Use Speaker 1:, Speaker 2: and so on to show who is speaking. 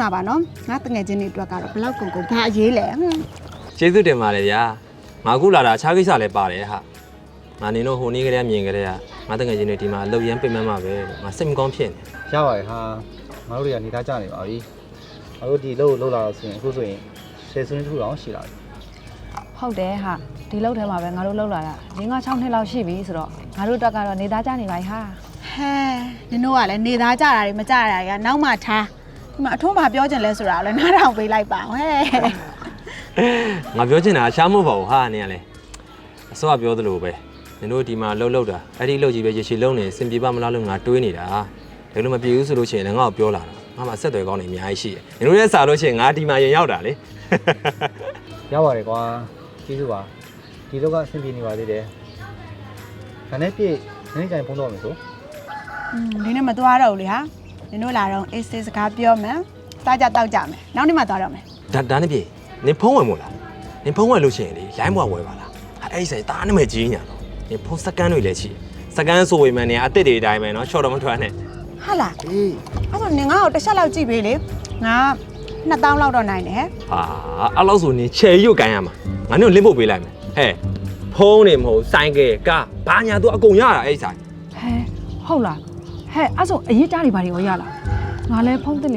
Speaker 1: ပါနော်ငါတငယ်ချင်းတွေအတွက်ကတော့ဘလောက်ကုန်ကုန်ဘာအရေးလဲ
Speaker 2: ကျေးဇူးတင်ပါတယ်ဗျာငါခုလာတာအခြားကိစ္စလည်းပါတယ်ဟာငါနေတော့ဟိုနေ့ကလေးမြင်ကြတဲ့ကငါတကယ်ချင်းတွေဒီမှာအလုပ်ရမ်းပြင်မှန်းမှာပဲငါစိတ်မကောင်းဖြစ်နေ
Speaker 3: ရပါတယ်ဟာငါတို့တွေကနေသားကြနေပါပြီငါတို့ဒီလှုပ်လာတော့ဆိုရင်အခုဆိုရင်10ဆွန်းတစ်ခုတောင်ရှိလာပြီ
Speaker 4: ဟုတ်တယ်ဟာဒီလောက်ထဲမှာပဲငါတို့လောက်လာတာ5-6နှစ်လောက်ရှိပြီဆိုတော့ငါတို့တက်ကတော့နေသားကြနေပါ යි ဟာ
Speaker 1: ဟဲနင်တို့ကလည်းနေသားကြတာတွေမကြတာတွေကနောက်မှထားဒီမှာအထွန်းဘာပြောချင်လဲဆိုတာလည်းနားထောင်ပေးလိုက်ပါဟဲ့
Speaker 2: ငါပြောချင်တာရှားမဟုတ်ပါဘူးဟာနေရလဲအစောကပြောသလိုပဲနင်တို့ဒီမှာလှုပ်တာအဲ့ဒီလှုပ်ကြီးပဲရေရှည်လုံးနေစင်ပြေပါမလားလို့ငါတွေးနေတာဒါလို့မပြေဘူးဆိုလို့ရှိရင်လည်းငါ့ကိုပြောလာတာငါမှဆက်သွယ်ကောင်းနေအများကြီးရှိတယ်နင်တို့ရဲ့စာလို့ရှိရင်ငါဒီမှာရင်ရောက်တာလေ
Speaker 3: ရပါတယ်ကွာကျေးဇူးပါဒီလောကအဆင်ပြေနေပါသေးတယ်ခဏပြည့်နေ့တိုင်းဖုန်းတော့မယ်ဆို
Speaker 1: ဒီနေ့မသွားတော့ဘူးလေဟာနင်တို့လာတော့အေးစေးစကားပြောမယ်စားကြတောက်ကြမယ်နောက်နေ့မှသွားတော့မယ်
Speaker 2: ဒါနဲ့ပြေနင်ဖုံးဝင်မို့လားနင်ဖုံးဝင်လို့ရှိရင်လေလိုင်းဘွားဝယ်ပါလားအဲ့ဒီဆိုင်တားနမဲကြီးညာတော့နင်ဖုံးစကန်တွေလည်းရှိစကန်ဆိုဝင်မှနေအစ်စ်တွေအတိုင်းပဲเนาะရှော့တော့မထွက်နဲ့
Speaker 1: ဟာလားအေးအဲ့ဆိုနင်ငါ့ကိုတစ်ချက်လောက်ကြည့်ပေးလေငါ2000လောက်တော့နိုင်တယ်ဟဲ့
Speaker 2: ဟာအဲ့လောက်ဆိုနင်ချယ်ရွတ်ကန်ရမှာငါတို့လင်းဖို့ပေးလိုက်မယ်ဟဲ့ဖုံးနေမဟုတ်ဆိုင်ကဲကားဘာညာသူအကုန်ရတာအဲ့ဒီဆိုင်
Speaker 4: ဟဲဟုတ်လားဟဲအဲ့ဆိုအရေးကြားတွေဘာတွေရောရလားငါလည်းဖုန်းတင်